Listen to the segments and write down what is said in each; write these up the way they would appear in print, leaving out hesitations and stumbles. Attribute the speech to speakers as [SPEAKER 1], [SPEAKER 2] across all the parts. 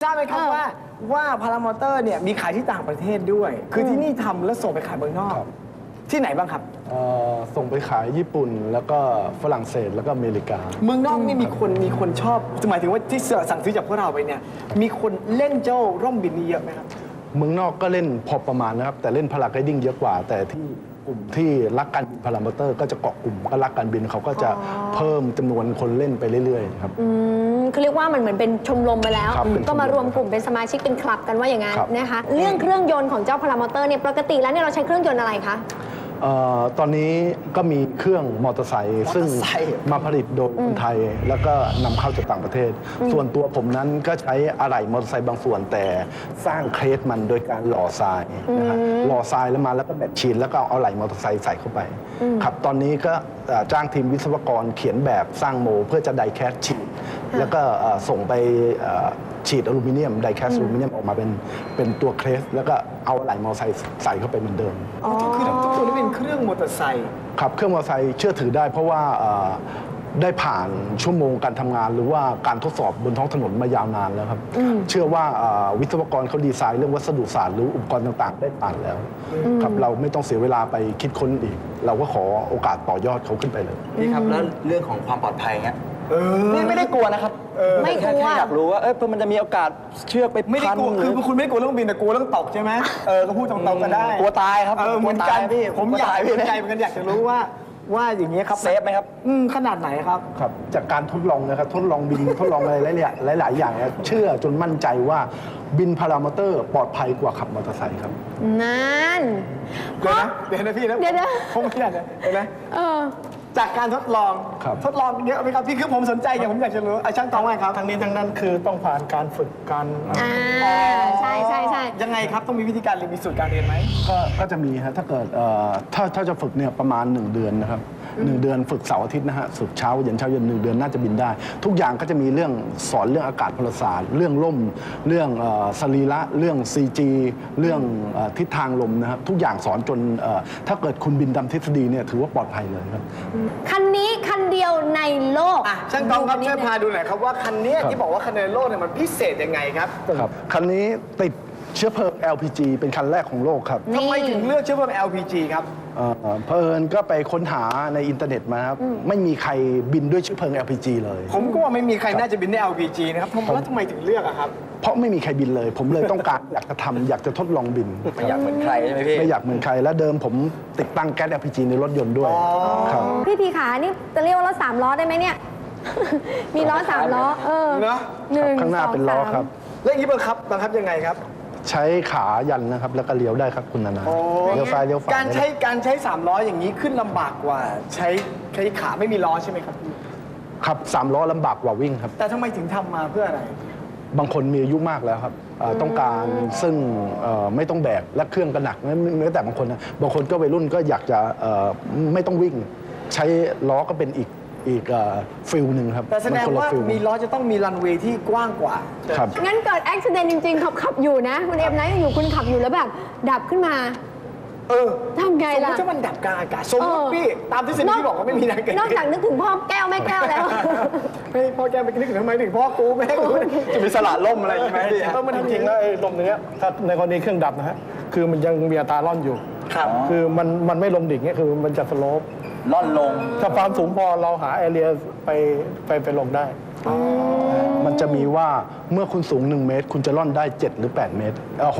[SPEAKER 1] ทราบไหมครับว่าพารามอเตอร์เนี่ยมีขายที่ต่างประเทศด้วย คือที่นี่ทำแล้วส่งไปขายเมืองนอก ที่ไหนบ้างครับ
[SPEAKER 2] ส่งไปขายญี่ปุ่นแล้วก็ฝรั่งเศสแล้วก็อเมริกา
[SPEAKER 1] เมืองนอกนี่มีคนชอบหมายถึงว่าที่สั่งซื้อจากพวกเราไปเนี่ยมีคนเล่นเจ้าร่มบินนี้เยอะไหมครับ
[SPEAKER 2] เมืองนอกก็เล่นพอประมาณนะครับแต่เล่นพาราไกดิ้งเยอะกว่า แต่ที่กลุ่มที่รักการบินพารามอเตอร์ก็จะเกาะกลุ่มก็รักการบินเขาก็จะเพิ่มจำนวนคนเล่นไปเรื่อยๆครับ
[SPEAKER 3] คือเรียกว่ามันเหมือนเป็นชมรมไปแล้ว
[SPEAKER 2] ครับเป็นชมรม
[SPEAKER 3] ก็มารวมกลุ่มเป็นสมาชิกเป็นคลับกันว่าอย่างนั้น
[SPEAKER 2] ครับ
[SPEAKER 3] นะคะเรื่องเครื่องยนต์ของเจ้าพารามอเตอร์เนี่ยปกติแล้วเนี่ยเราใช้เครื่องยนต์อะไรคะ
[SPEAKER 2] ตอนนี้ก็มีเครื่องมอเตอร์ไซค์ซึ่งมาผลิตโดยคนไทยแล้วก็นำเข้าจากต่างประเทศ ส่วนตัวผมนั้นก็ใช้อะไหล่มอเตอร์ไซค์บางส่วนแต่สร้างเครสมันโดยการหล่อทรายนะครับหล่อทรายแล้วมาแล้วก็แบตชีนแล้วก็เอาอะไหล่มอเตอร์ไซค์ใส่เข้าไปครับตอนนี้ก็จ้างทีมวิศวกรเขียนแบบสร้างโมเพื่อจะไดแคสฉีดแล้วก็ส่งไปฉีดอลูมิเนียมไดแคสอลูมิเนียมออกมาเป็นตัวเครสแล้วก็เอาอะไหล่มอเตอร์ไซค์ใส่เข้าไปเหมือนเดิม
[SPEAKER 1] อ๋อคือทุกตัวนี้เป็นเครื่องมอเตอร์ไซค์
[SPEAKER 2] ครับเครื่องมอเตอร์ไซค์เชื่อถือได้เพราะว่าได้ผ่านชั่วโมงการทำงานหรือว่าการทดสอบบนท้องถนนมายาวนานแล้วครับเชื่อว่าวิศวกรเขาดีไซน์เรื่องวัสดุศาสตร์หรืออุปกรณ์ต่างๆ ได้ผ่านแล้วครับเราไม่ต้องเสียเวลาไปคิดค้นอีก เราก็ขอโอกาสต่อยอดเขาขึ้นไปเลย
[SPEAKER 4] พี่ครับแล้วเรื่องของความปลอดภัยเงี้ย
[SPEAKER 1] นี่
[SPEAKER 4] ไม่ได้กลัวนะครับ
[SPEAKER 3] ไม่กลัว
[SPEAKER 4] แค่อยากรู้ว่ามันจะมีโอกาสเชือกไป
[SPEAKER 1] ไม่ได้
[SPEAKER 4] พัน
[SPEAKER 1] กลัว
[SPEAKER 4] ห
[SPEAKER 1] คื
[SPEAKER 4] รือ
[SPEAKER 1] คุณไม่ได้กลัวเรื่องบินแต่กลัวเรื่องตกใช่ไหมก็พูดตรงๆก็ได้
[SPEAKER 4] กลัวตายครับ
[SPEAKER 1] เหมือนกัน
[SPEAKER 4] กลัวตายพี่
[SPEAKER 1] ผมอยาก
[SPEAKER 4] กลัวตายพี่
[SPEAKER 1] สนใจเหมือนกันอยากจะรู้ว่าอย่างนี้ยครับ
[SPEAKER 4] เซฟไหมครับ
[SPEAKER 1] ขนาดไหนครับ
[SPEAKER 2] ครับจากการทดลองนะครับทดลองบิน ทดลองอะไรหลายๆอย่างเนี่ยเชื่อจนมั่นใจว่าบินพารามอเตอร์ปลอดภัยกว่าขับมอเตอร์ไซค์ครับ
[SPEAKER 3] นั่น
[SPEAKER 1] เดี๋ยวนะพี่นะ
[SPEAKER 3] เดี๋ยว
[SPEAKER 1] ผมไม่ได้นะเดี๋ยวนะ
[SPEAKER 3] เออ
[SPEAKER 1] จากการทดลอง
[SPEAKER 2] ครับ
[SPEAKER 1] ทดลองเยอะไหมครับพี่คือผมสนใจอย่างผมอยากจะรู้ช่างตองว่าไงครับ
[SPEAKER 5] ทั้งนี้ทั้งนั้นคือต้องผ่านการฝึกการ
[SPEAKER 3] ใช่ใช่ใช่
[SPEAKER 1] ยังไงครับต้องมีวิธีการเรียนมีสูตรการเรียนไหม
[SPEAKER 2] ก็จะมีฮะถ้าเกิดถ้าจะฝึกเนี่ยประมาณ 1 เดือนนะครับ1 เดือนฝึกเสาร์อาทิตย์นะฮะฝึกเช้าเย็น1 เดือนน่าจะบินได้ ทุกอย่างก็จะมีเรื่องสอนเรื่องอากาศพลศาสตร์เรื่องล่มเรื่องสรีระเรื่อง CG เรื่องทิศทางลมนะครับทุกอย่างสอนจนถ้าเกิดคุณบินตามทฤษฎีเนี่ยถือว่าปลอดภัยเลยครับ
[SPEAKER 3] คันนี้คันเดียวในโลก
[SPEAKER 1] ช่างตองครับช่วยพาดูหน่อยครับว่าคันเนี้ย
[SPEAKER 2] ครับ
[SPEAKER 1] ที่บอกว่าคันในโลกเนี่ยมันพิเศษยังไงครับ
[SPEAKER 2] ครับคันนี้ติดเชื้อเพลิง LPG เป็นคันแรกของโลกครับ
[SPEAKER 1] ทำไมถึงเลือกเชื้อเพลิง LPG ครับ
[SPEAKER 2] เพลินก็ไปค้นหาในอินเทอร์เน็ตมาครับไม่มีใครบินด้วยเชื้อเพลิง LPG เลย
[SPEAKER 1] ผมก็ว่าไม่มีใครน่าจะบินได้ LPG นะครับแล้วทำไมถึงเลือกอะครับ
[SPEAKER 2] เพราะไม่มีใครบินเลย ผมเลยต้องการ อยากจะทำอยากจะทดลองบิน
[SPEAKER 4] ไม่อยากเหมือนใครใช่ไหมพี่
[SPEAKER 2] ไม่อยากเหมือนใครและเดิมผมติดตั้งแก๊ส LPG ในรถยนต์ด้วยครับ
[SPEAKER 3] พี่พีขานี่จะเรียกว่ารถ3 ล้อได้ไหมเนี่ย มีล้อ3 ล้อ
[SPEAKER 1] เนอะ
[SPEAKER 3] หนึ่ง
[SPEAKER 2] ข้างหน้า
[SPEAKER 3] สอ
[SPEAKER 2] เป็นล้อ
[SPEAKER 3] สม
[SPEAKER 2] ครับ
[SPEAKER 1] แล้วอย่างนี้บังคับยังไงครับ
[SPEAKER 2] ใช้ขายันนะครับ แล้วก็เลี้ยวได้ครับคุณนานาเลี้ยวซ้ายเลี้ยวขวา
[SPEAKER 1] การใช้3ล้ออย่างนี้ขึ้นลำบากกว่าใช้ขาไม่มีล้อใช่ไหมครับ
[SPEAKER 2] ครับ3 ล้อลำบากกว่าวิ่งครับ
[SPEAKER 1] แต่ทำไมถึงทำมาเพื่ออะไร
[SPEAKER 2] บางคนมีอายุมากแล้วครับต้องการซึ่งไม่ต้องแบกและเครื่องก็หนักแม้แต่บางคนนะบางคนก็วัยรุ่นก็อยากจะไม่ต้องวิ่ง ใช้ล้อก็เป็นอีกฟิลหนึ่งครับ
[SPEAKER 1] แต่แสดง
[SPEAKER 2] มันคนละ
[SPEAKER 1] ว่า
[SPEAKER 2] ฟิล
[SPEAKER 1] มีล้อจะต้องมีรันเวย์ที่กว้างกว่า
[SPEAKER 2] ครับ
[SPEAKER 3] งั้นเกิดอุบิเหตุจริงๆขับอยู่นะ คุณเอ็มนะอยู่คุณขับอยู่แล้วแบบ ดับขึ้นมา ทำไง
[SPEAKER 1] สมม
[SPEAKER 3] ล่ะ
[SPEAKER 1] ติถ้ามันดับกลางอากาศสมมติพี่ตามทฤษฎีที่บอกว่าไม่มีทางเกิด
[SPEAKER 3] นอกจากนึกถึงพ่อแก้วแม่แก้วแล้ว
[SPEAKER 1] ไม่พ่อแกไปนึกถึงทำไมถึงพ่อกูแม่กูจะมีสละล่มอะไรใช่ไหม
[SPEAKER 5] มันจริงๆแล้วไอ้ลมอย่างเงี้ยถ้าในกรณีเครื่องดับนะฮะคือมันยังมีอัตราล่อนอยู่
[SPEAKER 1] ครับ
[SPEAKER 5] คือมันไม่ลงดิ่งเนี่ยคือมันจะสโลป
[SPEAKER 4] ล่อนลง
[SPEAKER 5] ถ้าความสูงพอเราหาแอเรียไปลงได้
[SPEAKER 2] มันจะมีว่าเมื่อคุณสูง 1 เมตร คุณจะล่อนได้ 7 หรือ 8 เมตร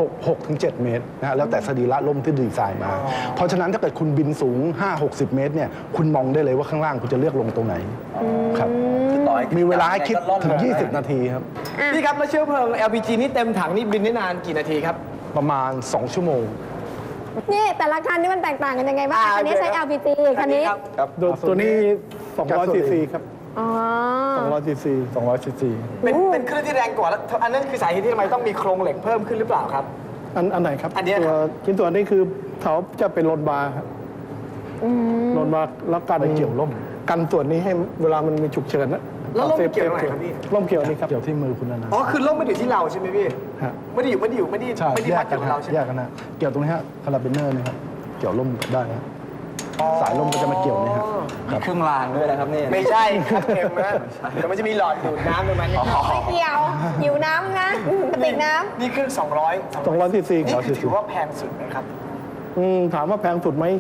[SPEAKER 2] 6 ถึง 7 เมตรนะฮะแล้วแต่สรีระล่มที่ดีไซน์มา เพราะฉะนั้นถ้าเกิดคุณบินสูง 5-60 เมตรเนี่ยคุณมองได้เลยว่าข้างล่างคุณจะเลือกลงตรงไหนครับ
[SPEAKER 4] ต่อให้
[SPEAKER 2] มีเวลาให้คิด
[SPEAKER 4] ก็ล่อน
[SPEAKER 2] ถึง
[SPEAKER 4] ล
[SPEAKER 2] 20 นาทีครับ
[SPEAKER 1] พี่ครับแล้วเชื้อเพลิง LPG นี่เต็มถังนี่บินได้นานกี่นาทีครับ
[SPEAKER 2] ประมาณ 2 ชั่วโมง
[SPEAKER 3] นี่แต่ละคันนี่มันแตกต่างกันยังไงบ้างคันนี้ใช้ LPG คันนี้
[SPEAKER 1] ครับ
[SPEAKER 5] ตัวนี้200 ซีซีครับ
[SPEAKER 3] อ๋อ
[SPEAKER 5] 200 ซีซี
[SPEAKER 2] 200 ซีซี
[SPEAKER 1] เป็นเครื่องที่แรงกว่าแล้วอันนั้นคือสาเหตุที่ทำไมต้องมีโครงเหล็กเพิ่มขึ้นหรือเปล่าครับ
[SPEAKER 5] อันไหนครับ
[SPEAKER 1] อันเนี้ยครับ
[SPEAKER 5] ชิ้นส่วนนี้คือเขาจะเป็นโลนบาร์ครับโลนบาร์แล้วกัน
[SPEAKER 2] ไปเกี่ยวร่ม
[SPEAKER 5] กันส่วนนี้ให้เวลามันมีฉุกเฉินนะ
[SPEAKER 1] แล้วร่ม
[SPEAKER 5] ซฟ
[SPEAKER 1] เกี่ยวตรงไหนครับพี่
[SPEAKER 5] ร่มเกี่ยวนี่ครับ
[SPEAKER 2] เกี่ยวที่มือคุณนานา
[SPEAKER 1] อ๋อคือล่มไม่ได้อยู่ที่เราใช่ไหมพี่
[SPEAKER 5] ฮะ
[SPEAKER 1] ไม่ได้อยู่
[SPEAKER 2] ใช่
[SPEAKER 1] ไม่ได้
[SPEAKER 2] แย
[SPEAKER 1] มั
[SPEAKER 2] ก
[SPEAKER 1] ดอ
[SPEAKER 2] กัน
[SPEAKER 1] ยู่กับ
[SPEAKER 2] ฮะ
[SPEAKER 1] เราใช่ไหม
[SPEAKER 2] แยกกันนะเกี่ยวตรงนี้ฮะคาราบิเนอร์นี่ครับเกี่ยวร่มได้ฮะสายลมก็จะมาเกี่ยวเนี่ยครับ
[SPEAKER 4] เครื่องรางด้วยนะครับนี่
[SPEAKER 1] ไม่ใช่ครับเอ็มนะเดี๋ยวมันจะมีหลอดดูดน้ำตรงนั้นนะครับ
[SPEAKER 3] ไม่เกี่ยวหิวน้ำนะกระติกน้
[SPEAKER 1] นี่เครื่อง200
[SPEAKER 5] 200 cc
[SPEAKER 1] นี่คือถือว่าแพงสุดไหมครับ
[SPEAKER 5] ถามว่าแพงสุดไหม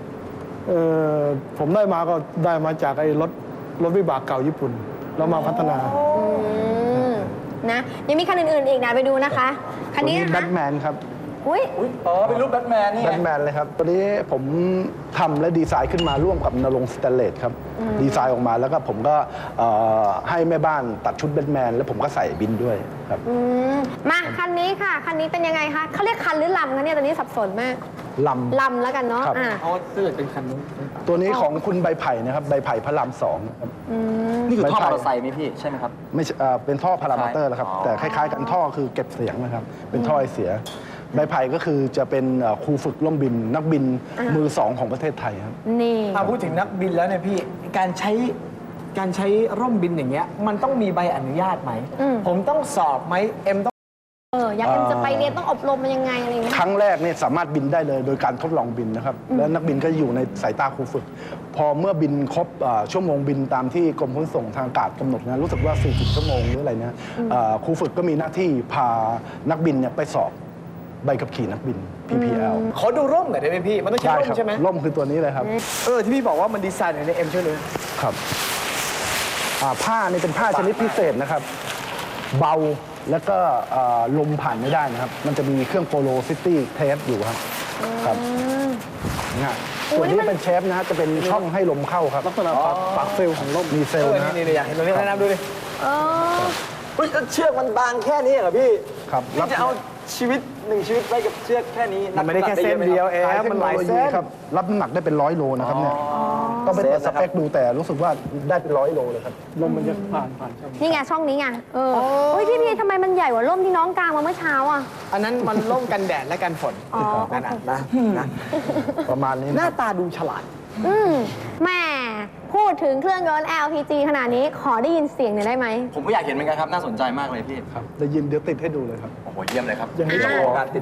[SPEAKER 5] ผมได้มาก็ได้มาจากไอ้รถวิบากเก่าญี่ปุ่น แล้วมาพัฒนา
[SPEAKER 3] ำนะยังมีคันอื่นๆอีกนะไปดูนะคะ คันนี้
[SPEAKER 2] ตัว
[SPEAKER 3] นะ
[SPEAKER 2] แบ
[SPEAKER 3] คะ
[SPEAKER 2] ทแมนครับ
[SPEAKER 3] อุ้ย
[SPEAKER 4] อ๋อ เป็นรูปแบทแมนนี่
[SPEAKER 2] แบ
[SPEAKER 4] ไง
[SPEAKER 2] ทแมนเลยครับ ตัวนี้ผมทำและดีไซน์ขึ้นมาร่วมกับนรงค์สแตนเลสครับ ดีไซน์ออกมาแล้วก็ผมก็ให้แม่บ้านตัดชุดแบทแมนแล้วผมก็ใส่บินด้วยครับ
[SPEAKER 3] มาคันนี้ค่ะ คันนี้เป็นยังไงคะเขาเรียกคันหรือลำคะเนี่ยตอนนี้สับสนมาก
[SPEAKER 2] ลำ
[SPEAKER 3] ลำแล้วกันเนาะ
[SPEAKER 2] ครับ
[SPEAKER 3] อ่ะ
[SPEAKER 1] อ๋อถ้าเกิดเป็นคันนู้น
[SPEAKER 2] ตัวนี้ของคุณใบไผ่นะครับ ใบไผ่พระรามสองครับ
[SPEAKER 4] นี่คือท่อมอเตอร์ไซค์ไหมพี่ ใช่ไหมครับ
[SPEAKER 2] ไม่ใช่เป็นท่อพารามอเตอร์แล้วครับ
[SPEAKER 4] อ๋อ
[SPEAKER 2] แต่คล้ายๆกันท่อคือเก็บเสียงนะครับ เป็นท่อไอเสีย ใบไผ่ก็คือจะเป็นครูฝึกล่มบิน นักบินมือสองของประเทศไทยครับ
[SPEAKER 3] นี่
[SPEAKER 1] ถ้าพูดถึงนักบินแล้วเนี่ยพี่การใช้ร่มบินอย่างเงี้ยมันต้องมีใบอนุญาตไหม ผมต้องสอบไหมเอ็มต้อง
[SPEAKER 3] อยากจะไปเรียนต้องอบรมมันยังไงอะไรอย่างเงี้ย
[SPEAKER 2] ครั้งแรกเนี่ยสามารถบินได้เลยโดยการทดลองบินนะครับ แล้วนักบินก็อยู่ในสายตาครูฝึก พอเมื่อบินครบชั่วโมงบินตามที่กรมขนส่งทางอากาศกำหนดนะรู้สึกว่า 40 ชั่วโมงหรืออะไรนะครูฝึกก็มีหน้าที่พานักบินเนี่ยไปสอบใบขับขี่นักบิน PPL
[SPEAKER 1] ขอดูร่มหน่อยได้ไหมพี่ มันต้องใช้ร่ม
[SPEAKER 2] ครั
[SPEAKER 1] ใช่ไหม
[SPEAKER 2] ร่มคือตัวนี้เลยครับ
[SPEAKER 1] ที่พี่บอกว่ามันดีไซน์อยู่ในเอ็มช่วยเลย
[SPEAKER 2] ครับผ้านี่เป็นผ้าชนิดพิเศษนะครับ เบาแล้วก็ลมผ่านไม่ได้นะครับ มันจะมีเครื่องโปโลซิตี้เทปอยู่ครับครับนะส่วนนี้เป็นเชฟนะฮะจะเป็นช่องให้ลมเข้าครับ
[SPEAKER 5] ลักษณะปากเซลล์ของร่ม
[SPEAKER 2] มีเซลล์นะฮะ
[SPEAKER 1] นี่อยากเห็นตรงนี้แนะนำดูดิ
[SPEAKER 3] เออ
[SPEAKER 4] เฮ้ยแล้วเชือกมันบางแค่นี้เหรอพี่
[SPEAKER 2] ครับ
[SPEAKER 4] พี่จะเอาชีวิตหนึ่งชีวิตไว้กับเชือกแค่นี้
[SPEAKER 1] มันไม่ได้แค่เส้นเดียวเอง
[SPEAKER 2] เท
[SPEAKER 1] มั
[SPEAKER 2] คน โน
[SPEAKER 1] หลาย
[SPEAKER 2] โล
[SPEAKER 1] เส้
[SPEAKER 2] ยี
[SPEAKER 1] น
[SPEAKER 2] ครับรับน้ำหนักได้เป็น100 โลนะครับเนี่ยต้องไปเปิดสเปคดูแต่รู้สึกว่าได้เป็น100 โลเลยครับ
[SPEAKER 5] ลมมันจะผ่านช่อง
[SPEAKER 3] นี่ไงช่องนี้ไงเฮ้ยพี่ทำไมมันใหญ่กว่าร่มที่น้องกางมาเมื่อเช้าอ่ะ
[SPEAKER 1] อันนั้นมันร่มกันแดดและกันฝน
[SPEAKER 3] อ๋อ
[SPEAKER 1] นั่นนะนะ
[SPEAKER 2] ประมาณนี้
[SPEAKER 1] ห
[SPEAKER 2] นะ
[SPEAKER 1] น้าตาดูฉลาด
[SPEAKER 3] แหม่พูดถึงเครื่องยนต์ LPG ขนาดนี้ขอได้ยินเสียงหน่อยได้ไหม
[SPEAKER 4] ผมก็อยากเห็นเหมือนกันครับ น่าสนใจมากเลยพี่
[SPEAKER 2] ครับได้ยินเดี๋ยวติดให้ดูเลยครับ
[SPEAKER 4] โอ้โห เยี่ยมเลยครับ
[SPEAKER 5] อย่างนี้ต้อง
[SPEAKER 4] โครงการติด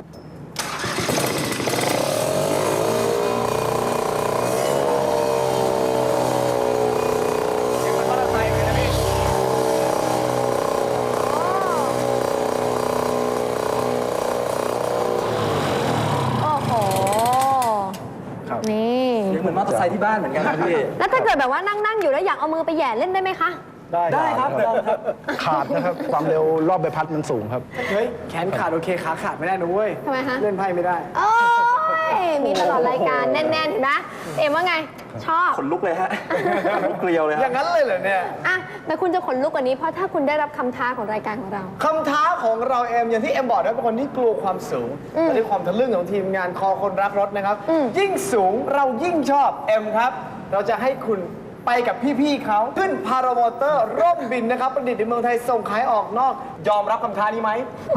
[SPEAKER 3] โอ้โห
[SPEAKER 2] ครับ
[SPEAKER 3] นี่
[SPEAKER 4] เสียงเหมือนมอเตอร์ไซค์ที่บ้านเหมือนกันนะพี่
[SPEAKER 3] แล้วถ้าเกิดแบบว่านั่งอยู่แล้วอยากเอามือไปแหย่เล่นได้ไหมคะ
[SPEAKER 4] ได้ครับลองครับ
[SPEAKER 2] ขาดนะครับ ความเร็วรอบใบพัดมันสูงครับ
[SPEAKER 1] เฮ้ยแขนขาดโอเคขาขาดไม่ได้นะเว้ย
[SPEAKER 3] ทำไมฮะ
[SPEAKER 1] เล่นไพ่ไม่ได้
[SPEAKER 3] โอ้ยมีตลอดรายการแน่นๆเห็นไหมเอ็มว่าไง ชอบ
[SPEAKER 4] ขนลุกเลยฮะ ลุกเกลียวเลย
[SPEAKER 1] อ
[SPEAKER 4] ฮะ
[SPEAKER 1] ย่างนั้นเลยเหรอเนี่ย
[SPEAKER 3] อ่ะแต่คุณจะขนลุกกว่านี้เพราะถ้าคุณได้รับคำท้าของรายการของเรา
[SPEAKER 1] คำท้าของเราเอ็มอย่างที่เอ็มบอกนะเป็นคนที่กลัวความสูงและด้วยความทะลึ่งของทีมงานคอคนรักรถนะครับ ยิ่งสูงเรายิ่งชอบเอ็มครับ เราจะให้คุณไปกับพี่ๆเขาขึ้นพารามอเตอร์ร่มบินนะครับ ประดิษฐ์ในเมืองไทยส่งขายออกนอก ยอมรับคำท้านี้ไหม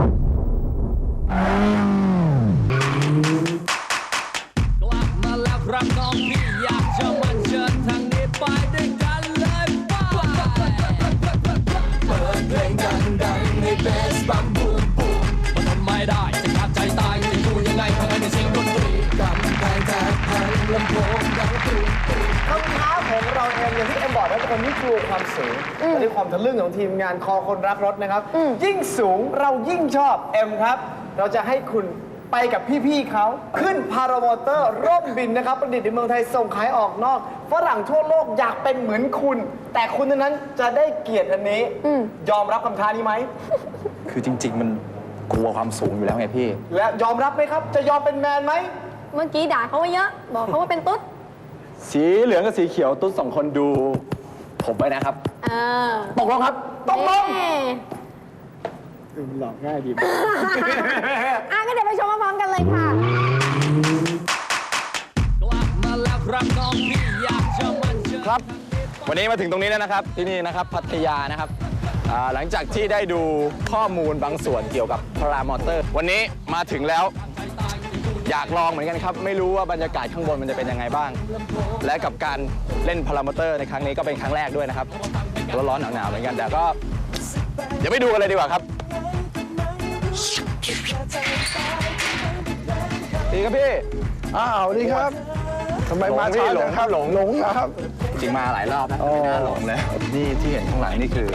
[SPEAKER 6] กลับมาแล้วครับน้องพี่อยากจะมาเชิญทางนี้ไปด้วยกันเลยไปเปิดเพลงดังๆในเบสบัมบูมบูมมันทนไม่ได้จะขาดใจตายจะอยู่ยังไงภายในเสียงดนตรีกำแพงแตกพังลำโพงดังตุ้ม
[SPEAKER 1] คำท้าของเราเองอย่างที่เอ็มบอกนะเป็นคนที่กลัวความสูงและด้วยความทะลึ่งของทีมงานคอคนรักรถนะครับ ยิ่งสูงเรายิ่งชอบเอ็มครับ เราจะให้คุณไปกับพี่ๆเขาขึ้นพารามอเตอร์ร่มบินนะครับ ประดิษฐ์ในเมืองไทยส่งขายออกนอกฝรั่งทั่วโลกอยากเป็นเหมือนคุณ แต่คุณเท่านั้นจะได้เกียรติอันนี้ ยอมรับคำท้านี้ไหม
[SPEAKER 4] คือจริง ๆ มันกลัวความสูงอยู่แล้วไงพี่
[SPEAKER 1] และยอมรับไหมครับ จะยอมเป็นแมนไหม
[SPEAKER 3] เมื่อกี้ด่าเขาไว้เยอะ บอกเขาว่าเป็นตุ๊ด
[SPEAKER 4] สีเหลืองกับสีเขียวตุ๊ดสองคนดู ผมไปนะครับ
[SPEAKER 3] เออ
[SPEAKER 4] ตกลงครับ
[SPEAKER 1] ตกลง
[SPEAKER 3] เอ๊ะ
[SPEAKER 5] หลอกง่ายดี
[SPEAKER 3] อ่ะก็เดี๋ยวไปชมพร้อมๆกันเลยค่ะ
[SPEAKER 6] กลับมาแล้วครับน้องพี่อยากจะมาเชิญ
[SPEAKER 4] ครับ วันนี้มาถึงตรงนี้แล้วนะครับ ที่นี่นะครับพัทยานะครับหลังจากที่ได้ดูข้อมูลบางส่วนเกี่ยวกับพารามอเตอร์ วันนี้มาถึงแล้ว อยากลองเหมือนกันครับ ไม่รู้ว่าบรรยากาศข้างบนมันจะเป็นยังไงบ้าง และกับการเล่นพารามอเตอร์ในครั้งนี้ก็เป็นครั้งแรกด้วยนะครับร้อนๆหนาวๆเหมือนกันแต่ก็เดี๋ยวไปดูกันเลยดีกว่าครับดีครับพี่
[SPEAKER 2] อ้าวดีครับทำไมมาช้าจังครับหลงนะครับ
[SPEAKER 4] จริงมาหลายรอบนะ
[SPEAKER 2] อ๋อ
[SPEAKER 4] ไม่น่าหลงเลย นี่ที่เห็นข้างหลังนี่คือ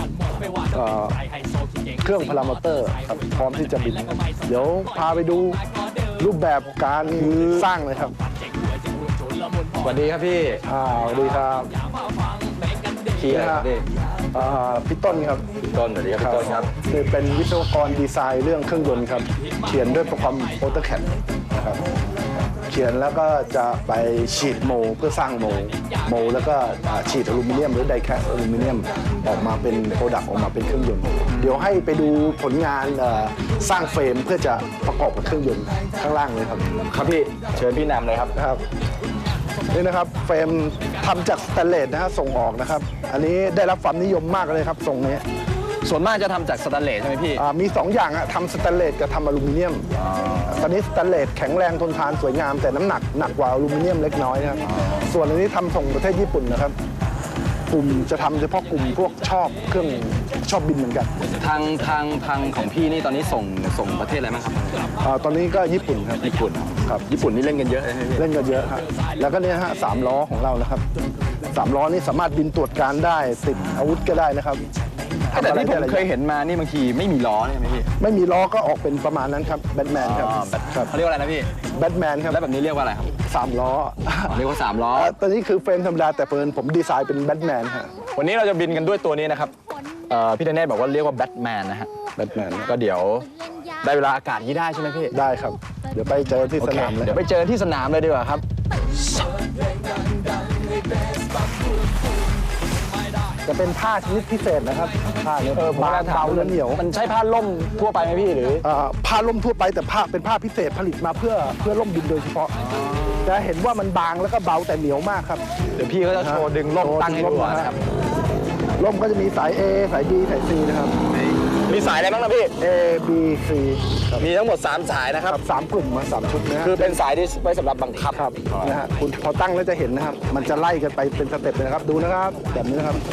[SPEAKER 2] เครื่องพารามอเตอร์ครับพร้อมที่จะบินครับเดี๋ยวพาไปดูรูปแบบการสร้างเลยครับ
[SPEAKER 4] สวัสดีครับพี่
[SPEAKER 2] สวัสดีครับ
[SPEAKER 4] พี่อะไรครับพี่
[SPEAKER 2] พี่ต้นครับ
[SPEAKER 4] ต้นสวัสดีครับพี่ต้นครับ
[SPEAKER 2] คือเป็นวิศวกรดีไซน์เรื่องเครื่องยนต์ครับ เขียนด้วยโปรแกรม AutoCAD นะครับ เขียนแล้วก็จะไปฉีดโมเพื่อสร้างโมแล้วก็ฉีดอลูมิเนียมหรือไดแคสอลูมิเนียมออกมาเป็นโปรดักต์ออกมาเป็นเครื่องยนต์ เดี๋ยวให้ไปดูผลงานสร้างเฟรมเพื่อจะประกอบกับเครื่องยนต์ข้างล่างเลยครับ
[SPEAKER 4] ครับพี่ เชิญพี่นำเลยครับ
[SPEAKER 2] นะครับนี่นะครับเฟรมทำจากสแตนเลสนะฮะส่งออกนะครับ อันนี้ได้รับความนิยมมากเลยครับทรงนี้
[SPEAKER 4] ส่วนมากจะทำจากสแตนเลสใช่ไหมพี่
[SPEAKER 2] มี2อย่างอะทำสแตนเลสกับทำอลูมิเนียมตอนนี้สแตนเลสแข็งแรงทนทานสวยงาม แต่น้ำหนักกว่าอลูมิเนียมเล็กน้อยนะครับส่วนอันนี้ทำส่งประเทศญี่ปุ่นนะครับกลุ่มจะทำเฉพาะกลุ่มพวกชอบเครื่องชอบบินเหมือนกัน
[SPEAKER 4] ทางของพี่นี่ตอนนี้ส่งประเทศอะไรบ้างครับ
[SPEAKER 2] ตอนนี้ก็ญี่ปุ่นครับ
[SPEAKER 4] ญี่ปุ่นครับญี่ปุ่นนี่เล่นกันเยอะเลยใช่ไหมพี่
[SPEAKER 2] เล่นกันเยอะครับแล้วก็เนี่ยฮะ3 ล้อของเรานะครับ3 ล้อนี่สามารถบินตรวจการได้ติดอาวุธก็ได้นะครับ
[SPEAKER 4] แต่ที่ผม
[SPEAKER 2] ทำอะไรได้หลาย
[SPEAKER 4] เคยเห็นมานี่บางทีไม่มีล้อใช่ไหมพี่
[SPEAKER 2] ไม่มีล้อก็ออกเป็นประมาณนั้นครับแบทแมนครับ ครับ
[SPEAKER 4] เขาเรียกว่าอะไรนะพี่
[SPEAKER 2] แบทแมนครับ
[SPEAKER 4] แล้วแบบนี้เรียกว่าอะไรครับ
[SPEAKER 2] 3 ล้อ
[SPEAKER 4] เรียกว่า3ล้อ
[SPEAKER 2] ตอนนี้คือเฟรมธรรมดาแต่ผมดีไซน์เป็นแบทแมนฮะ
[SPEAKER 4] วันนี้เราจะบินกันด้วยตัวนี้นะครับพี่เดนเนตบอกว่าเรียกว่าแบทแมนนะฮะ
[SPEAKER 2] แบทแมน
[SPEAKER 4] ก็เดี๋ยวได้เวลาอากาศที่ได้ใช่ไหมพี่
[SPEAKER 2] ได้ครับ เดี๋ยวไปเจอที่สนามเลย
[SPEAKER 4] เดี๋ยวไปเจอที่สนามเลยดีกว่าครับ
[SPEAKER 2] จะเป็นผ้าชนิดพิเศษนะครับผ้าเนี่ยบางเบาและเหนียว
[SPEAKER 4] มันใช้ผ้าล่มทั่วไปไหมพี่หรือ
[SPEAKER 2] ผ้าล่มทั่วไปแต่ผ้าเป็นผ้าพิเศษผลิตมาเพื่อล่มบินโดยเฉพาะจะเห็นว่ามันบางแล้วก็เบาแต่เหนียวมากครับ
[SPEAKER 4] เดี๋ยวพี่ก็จะโชว์ดึงล่มตั้งให้ดูนะครับ
[SPEAKER 2] ล่มก็จะมีสาย A สาย B สาย C นะครับ
[SPEAKER 4] มีสายอะไรบ้างนะพี่
[SPEAKER 2] A B C ครับ
[SPEAKER 4] มีทั้งหมด3สายนะครับ
[SPEAKER 2] 3กลุ่มมา3ชุดนะฮะ
[SPEAKER 4] คือเป็นสายที่ไว้สำหรับบังคับ
[SPEAKER 2] ครับนะฮะคุณพอตั้งแล้วจะเห็นนะครับ มันจะไล่กันไปเป็นสเต็ปเลยนะครับ ดูนะครับ แบบนี้นะครับ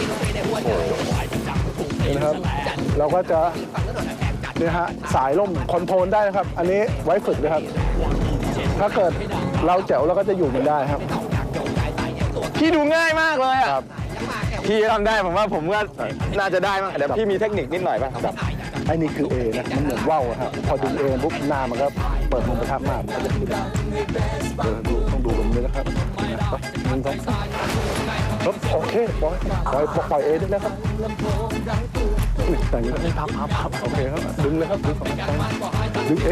[SPEAKER 2] นี่นะครับ เราก็จะนี่ฮะสายล่มคอนโทรลได้นะครับ อันนี้ไว้ฝึกนะครับ ถ้าเกิดเราแจ๋วเราก็จะอยู่มันได้ครับ
[SPEAKER 4] พี่ดูง่ายมากเลยอ่ะ
[SPEAKER 2] ครับ
[SPEAKER 4] พี่ทำได้ผมว่าผมก็น่าจะได้บ้างเดี๋ยวพี่มีเทคนิคนิดหน่อยป่ะครับ
[SPEAKER 2] ไอ้นี่คือ A นะ มันเหมือนว่าวอะครับ พอดึง A ปุ๊บหน้ามันก็เปิดมุมประทับมากมันก็จะขึ้นเดี๋ยวต้องดูแบบนี้นะครับ1 2 3ครับโอเคปล่อย A ได้แล้วครับอุ๊ยแต่งนี้พับโอเคครับ ดึงเลยครับ ดึง A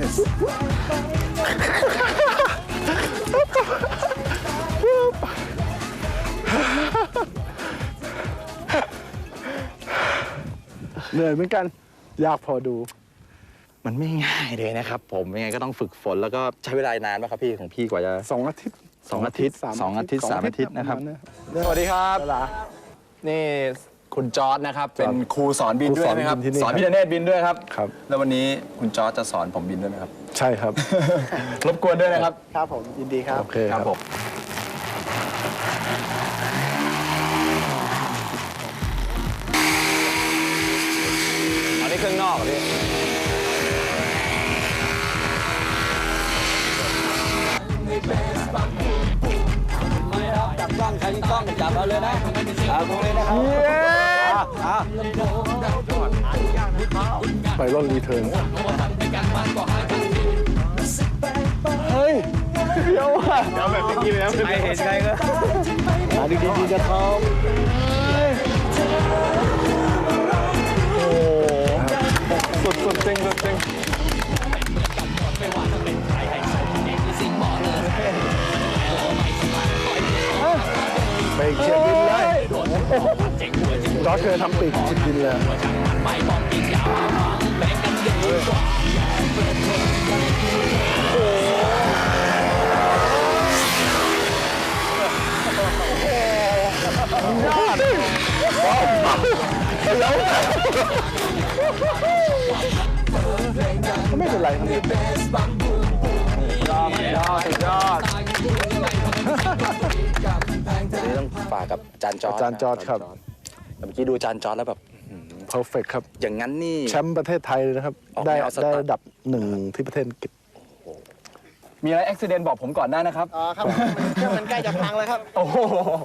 [SPEAKER 2] เหนื่อยเหมือนกัน อยากพอดู
[SPEAKER 4] มันไม่ง่ายเลยนะครับ ผมยังไงก็ต้องฝึกฝนแล้วก็ใช้เวลานานป่ะครับพี่ของพี่กว่าจะ
[SPEAKER 2] 2 อาทิตย์
[SPEAKER 4] 2 อาทิตย์ 2 อาทิตย์ 3 อาทิตย์นะครับ
[SPEAKER 2] ปมาณ
[SPEAKER 4] สวัสดีครับ
[SPEAKER 2] เวลา
[SPEAKER 4] นี่คุณจอร์ดนะครับ เป็นครูสอนบินด้วยไหมครับ
[SPEAKER 2] ครูสอนบินที่นี่
[SPEAKER 4] สอนพี่ธเนศบินด้วยครับ
[SPEAKER 2] ครับ
[SPEAKER 4] แล้ววันนี้คุณจอร์ดจะสอนผมบินด้วยไหมครับ
[SPEAKER 2] ใช่ครับ
[SPEAKER 4] รบกวนด้วยนะครับ
[SPEAKER 1] ครับผมยินดีครับ
[SPEAKER 2] โอเค
[SPEAKER 4] ค
[SPEAKER 2] ค
[SPEAKER 4] รั
[SPEAKER 2] รั
[SPEAKER 4] บบ ผม อันนี้เครื่องนอกเหรอพี่
[SPEAKER 6] จับกล้องใครมีกล้องจับเอาเลยนะเอาตรงนี้นะครับ
[SPEAKER 2] ไปร่อนรีเทิร์น
[SPEAKER 4] ไม่เห็นใครก็
[SPEAKER 2] มาดีๆจะทอม
[SPEAKER 4] สุดจริงสุดจริง
[SPEAKER 2] ไปเชียร์บินเลยจอร์จเคยทำปีกเชียร์บินเลยไม่เป็นไรครับ
[SPEAKER 4] ยอดสุดยอดนี่ต้องฝากกับอาจารย์จอร์ด
[SPEAKER 2] อาจารย์จอร์จครับ
[SPEAKER 4] เมื่อกี้ดูอาจารย์จอร์ดแล้วแบบ
[SPEAKER 2] perfect ครับ
[SPEAKER 4] อย่างนั้นนี่
[SPEAKER 2] แชมป์ประเทศไทยเลยนะครับ
[SPEAKER 4] ออก
[SPEAKER 2] ได้
[SPEAKER 4] แนวสไตล์
[SPEAKER 2] ระดับ1ที่ประเทศอังกฤษ
[SPEAKER 4] มีอะไรอุบิเหตุบอกผมก่อนได้นะครับ
[SPEAKER 1] อ๋อครับเครื่องมันใกล้จะพังแล้วครับ
[SPEAKER 4] โอ้โห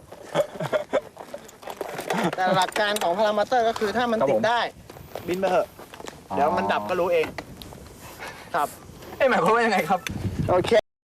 [SPEAKER 1] แต่หลักการของพารามอเตอร์ก็คือถ้ามัน
[SPEAKER 4] ครับ
[SPEAKER 1] ติ
[SPEAKER 4] ผ
[SPEAKER 1] ด
[SPEAKER 4] ม
[SPEAKER 1] ได้ บินไปเถอะ เดี๋ยวมันดับก็รู้เอง ครับ
[SPEAKER 4] หมายความว่ายังไงครับ
[SPEAKER 1] โอเค